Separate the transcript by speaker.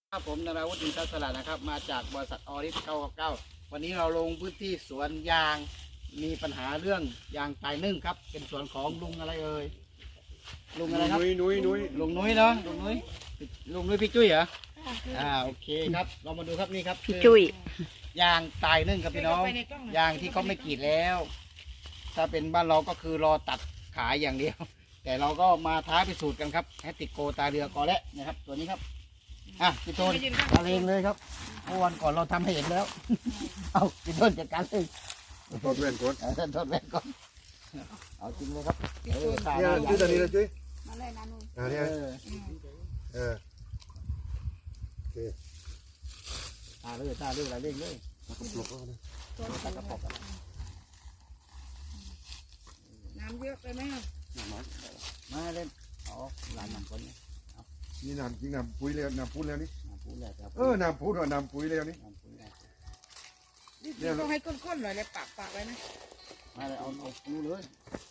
Speaker 1: ครับผมนราวุฒิอินทรสลัดนะครับมาจากบริษัทออริส999วันนี้เราลงพื้นที่สวนยางมีปัญหาเรื่องยางตายนึ่งครับเป็นสวนของลุงอะไรเอ่ยลุงอะไรครับ
Speaker 2: นุ้ย
Speaker 1: ลุงนุ้ยเนาะลุงนุ้ยพี่จุ้ยเหรอโอเคครับเรามาดูครับนี่ครับพี่
Speaker 3: จุ้ย
Speaker 1: ยางตายนึ่งครับพี่น้องยางที่เขาไม่กรีดแล้ว ถ้าเป็นบ้านเราก็คือรอตัดขายอย่างเดียว แต่เราก็มาท้าพิสูจน์กันครับแฮตติโกตาเรือกอและนะครับตัวนี้ครับพี่ต้นมาเลงเลยครับเมื่อวันก่อนเราทำให้เห็นแล้ว เอาพี่ต้นจัดการเลย
Speaker 2: ทดเว้นกด
Speaker 1: ทดแว่นก่อนเอาจริงเลยครับตา
Speaker 2: เนี่ยจุ้ยตอนนี้เลยจุ้ย
Speaker 3: มาเลยนะนุ่น
Speaker 2: เนี่ยโอเค
Speaker 1: ตาเลยอะไรเร่งเลย
Speaker 2: ปลุกแล้วนะ
Speaker 1: ตากระป๋อง
Speaker 3: น้ำเยอะไปไหม
Speaker 1: มาเล่นอ๋อหลานนำคนนี้
Speaker 2: นี่น้ำจริงน้ำปุ๋ยแล้วน้ำพูดแล้วนี่
Speaker 1: พูดแล้วครับ
Speaker 2: น้ำพูดว่าน้ำปุ๋ยแล้วนี่
Speaker 3: นี่ต้องให้ก้นๆหน่อยเลยปากไว้นะ
Speaker 1: มาเลยเอาดูเลย